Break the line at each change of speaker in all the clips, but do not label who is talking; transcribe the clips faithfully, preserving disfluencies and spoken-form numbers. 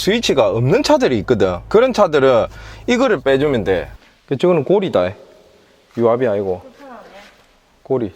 스위치가 없는 차들이 있거든. 그런 차들은 이거를 빼주면 돼. 저거는 고리다. 유압이 아니고 고리.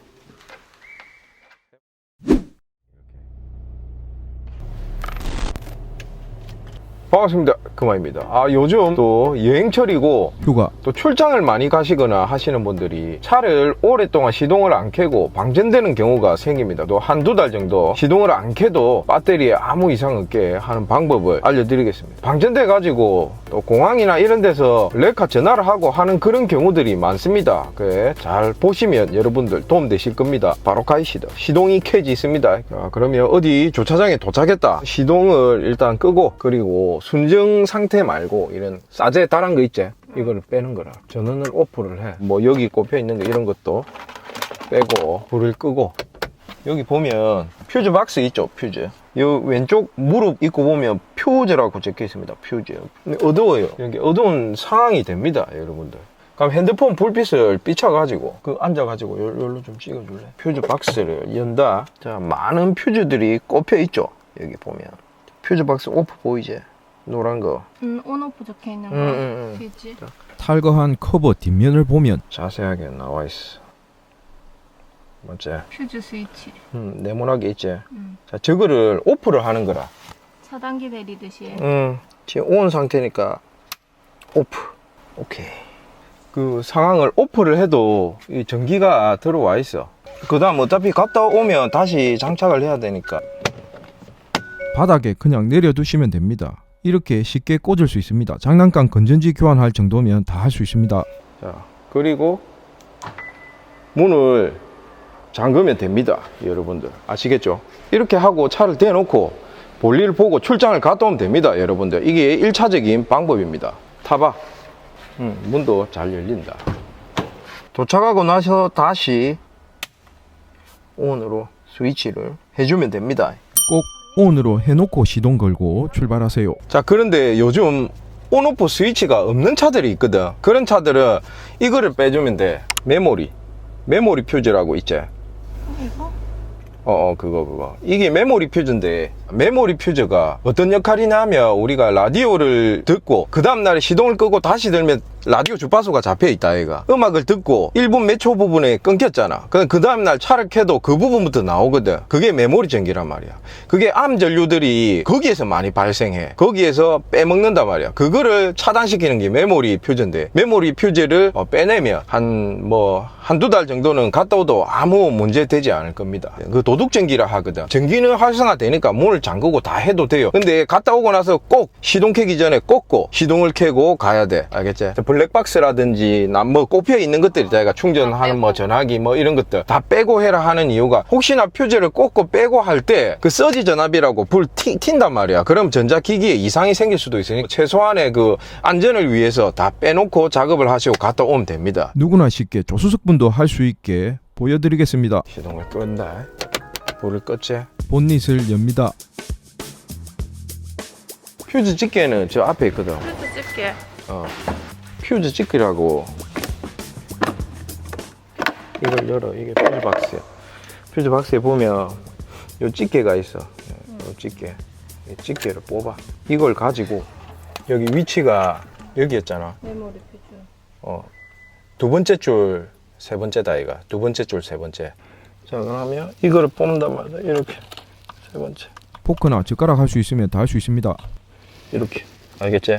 반갑습니다. 그만입니다. 아, 요즘 또 여행철이고
휴가
또 출장을 많이 가시거나 하시는 분들이 차를 오랫동안 시동을 안 켜고 방전되는 경우가 생깁니다. 또 한두 달 정도 시동을 안 켜도 배터리에 아무 이상 없게 하는 방법을 알려드리겠습니다. 방전돼 가지고 또 공항이나 이런 데서 레카 전화를 하고 하는 그런 경우들이 많습니다. 그래, 잘 보시면 여러분들 도움되실 겁니다. 바로 가이시다. 시동이 켜지 있습니다. 자, 그러면 어디 주차장에 도착했다. 시동을 일단 끄고, 그리고 순정 상태 말고 이런 싸제 달한 거 있지? 이거를 빼는 거라. 전원을 오프를 해. 뭐 여기 꼽혀 있는 거 이런 것도 빼고 불을 끄고, 여기 보면 퓨즈 박스 있죠? 퓨즈. 요 왼쪽 무릎 입고 보면 퓨즈라고 적혀 있습니다. 퓨즈. 근데 어두워요. 여기 어두운 상황이 됩니다, 여러분들. 그럼 핸드폰 불빛을 비춰가지고 그 앉아가지고 요, 요로 좀 찍어줄래? 퓨즈 박스를 연다. 자, 많은 퓨즈들이 꼽혀 있죠. 여기 보면 퓨즈 박스 오프 보이지? 노란 거.
음, 온오프 적혀 있는 거.
음, 음, 음.
퓨즈.
탈거한 커버 뒷면을 보면
자세하게 나와 있어. 맞지?
퓨즈 스위치.
음, 네모나게 있지?
음.
자, 저거를 오프를 하는 거라.
차단기 내리듯이.
음, 지금 온 상태니까 오프. 오케이. 그 상황을 오프를 해도 이 전기가 들어와 있어. 그 다음 어차피 갔다 오면 다시 장착을 해야 되니까.
바닥에 그냥 내려두시면 됩니다. 이렇게 쉽게 꽂을 수 있습니다. 장난감 건전지 교환할 정도면 다 할 수 있습니다.
자, 그리고 문을 잠그면 됩니다. 여러분들 아시겠죠? 이렇게 하고 차를 대놓고 볼일 보고 출장을 갔다 오면 됩니다. 여러분들 이게 일차적인 방법입니다. 타봐. 음, 문도 잘 열린다. 도착하고 나서 다시 온으로 스위치를 해주면 됩니다.
꼭 온으로 해놓고 시동 걸고 출발하세요.
자, 그런데 요즘 온오프 스위치가 없는 차들이 있거든. 그런 차들은 이거를 빼주면 돼. 메모리 메모리 퓨즈라고 있지?
이거?
어, 어, 그거, 그거. 이게 메모리 퓨즈인데, 메모리 퓨즈가 어떤 역할이냐 하면, 우리가 라디오를 듣고, 그 다음날에 시동을 끄고 다시 들면 라디오 주파수가 잡혀 있다, 얘가. 음악을 듣고 일 분 몇 초 부분에 끊겼잖아. 그 다음날 차를 켜도 그 부분부터 나오거든. 그게 메모리 전기란 말이야. 그게 암 전류들이 거기에서 많이 발생해. 거기에서 빼먹는단 말이야. 그거를 차단시키는 게 메모리 퓨즈인데, 메모리 퓨즈를 어, 빼내면, 한, 뭐, 한두 달 정도는 갔다 오도 아무 문제 되지 않을 겁니다. 그 도둑 전기라 하거든. 전기는 활성화되니까 문을 잠그고 다 해도 돼요. 근데 갔다 오고 나서 꼭 시동 켜기 전에 꽂고 시동을 켜고 가야 돼. 알겠지? 블랙박스라든지 남 뭐 꼽혀 있는 것들이 자기가 충전하는 뭐 전화기 뭐 이런 것들 다 빼고 해라 하는 이유가, 혹시나 퓨즈를 꽂고 빼고 할 때 그 서지 전압이라고 불 튄, 튄단 말이야. 그럼 전자기기에 이상이 생길 수도 있으니까 최소한의 그 안전을 위해서 다 빼놓고 작업을 하시고 갔다 오면 됩니다.
누구나 쉽게 조수석분도 할 수 있게 보여드리겠습니다.
시동을 끈다. 불을 껐지?
본닛을 엽니다.
퓨즈 집게는 저 앞에 있거든.
퓨즈 집게.
어, 퓨즈 집기라고. 이걸 열어. 이게 퓨즈 박스야. 퓨즈 박스에 보면 요 집게가 있어. 요 집게. 이 집게를 뽑아. 이걸 가지고 여기 위치가 여기였잖아.
메모리 퓨즈.
어, 두 번째 줄, 세 번째다 이가. 두 번째 줄, 세 번째. 자, 그러면 이거를 뽑는단 말이야. 이렇게. 세 번째.
포크나 젓가락 할 수 있으면 다 할 수 있습니다.
이렇게. 알겠지?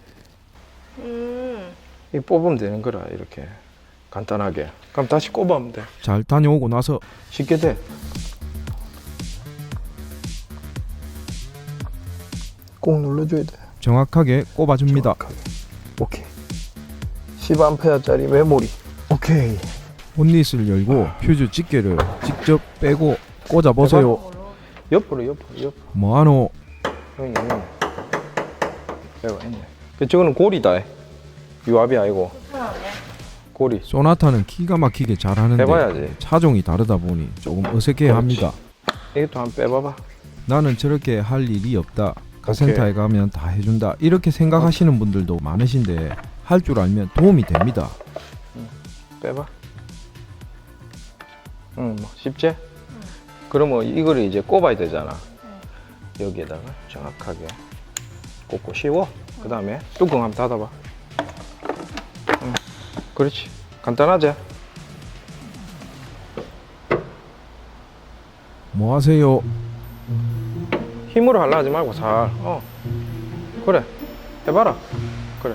음.
이 뽑으면 되는 거라. 이렇게 간단하게. 그럼 다시 꼽으면 돼.
잘 다녀오고 나서
쉽게 돼. 꼭 눌러줘야 돼.
정확하게 꼽아줍니다.
정확하게. 오케이. 십 암페어짜리 메모리. 오케이.
본닛을 열고 퓨즈 집게를 직접 빼고 꽂아보세요.
옆으로 옆으로 옆으로.
뭐하노?
여기 있네. 여기 있네. 그 저거는 고리다. 유압이 아니고
불편하네.
고리.
소나타는 기가 막히게 잘하는데
해봐야지.
차종이 다르다 보니 조금 어색해합니다.
이것도 한번 빼봐봐.
나는 저렇게 할 일이 없다. 카센터에 가면 다 해준다. 이렇게 생각하시는 분들도 많으신데 할 줄 알면 도움이 됩니다.
빼봐. 응, 뭐 쉽지? 응. 그러면 이거를 이제 꼽아야 되잖아. 응. 여기에다가 정확하게 꽂고 씌워. 그 다음에 뚜껑 한번 닫아봐. 응. 그렇지. 간단하지?
뭐 하세요?
힘으로 하려 하지 말고 살. 어. 그래. 해봐라. 그래.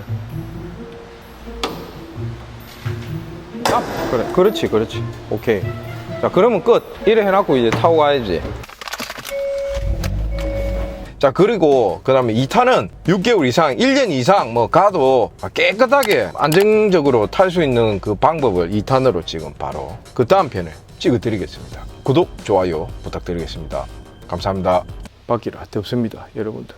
아, 그래. 그렇지, 그렇지. 오케이. 자, 그러면 끝. 이래 해놓고 이제 타고 가야지. 자, 그리고 그 다음에 이 탄은 육 개월 이상, 일 년 이상 뭐 가도 깨끗하게 안정적으로 탈 수 있는 그 방법을 이 탄으로 지금 바로 그 다음 편에 찍어 드리겠습니다. 구독, 좋아요 부탁드리겠습니다. 감사합니다. 바퀴를 할 데 없습니다, 여러분들.